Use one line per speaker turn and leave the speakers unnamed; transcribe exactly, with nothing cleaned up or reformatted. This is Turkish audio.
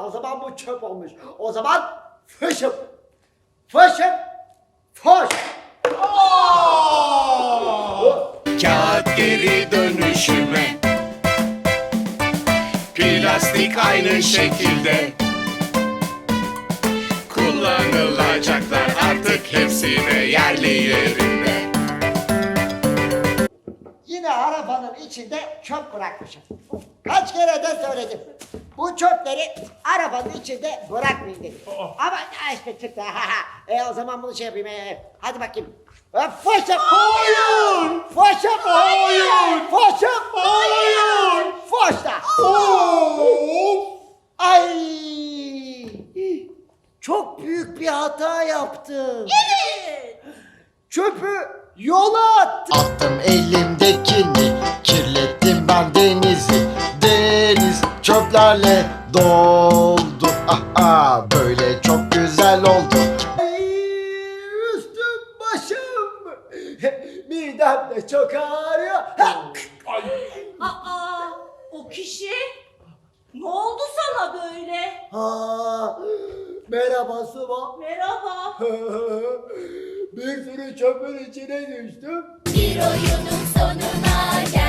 O zaman bu çöp olmuş. O zaman fışım. Fışım. Foş.
Kağıt geri dönüşüme, plastik aynı şekilde, kullanılacaklar artık hepsi de yerli yerinde.
Yine arabanın içinde çöp bırakmışım. Kaç kere de söyledim. Bu çöpleri arabanın içinde bırakmayın dedim. Ama ya işte çıktı. e o zaman bunu şey yapayım. E, hadi bakayım. E, Foşum. Hayır. Foşum. Hayır. Foşum. Hayır. Foş da. Ay. Çok büyük bir hata yaptım.
Evet.
Çöpü yola attım.
Attım elimdekini, kirlettim ben denizi. Deniz çöplerle doldu. Aha, böyle çok güzel oldu.
Ay, üstüm başım. Midem de çok ağrıyor.
Aa, o kişi ne oldu sana böyle?
Ha, merhaba Sıva.
Merhaba.
Bir sürü çöpün içine düştüm.
Bir oyunun sonuna gel.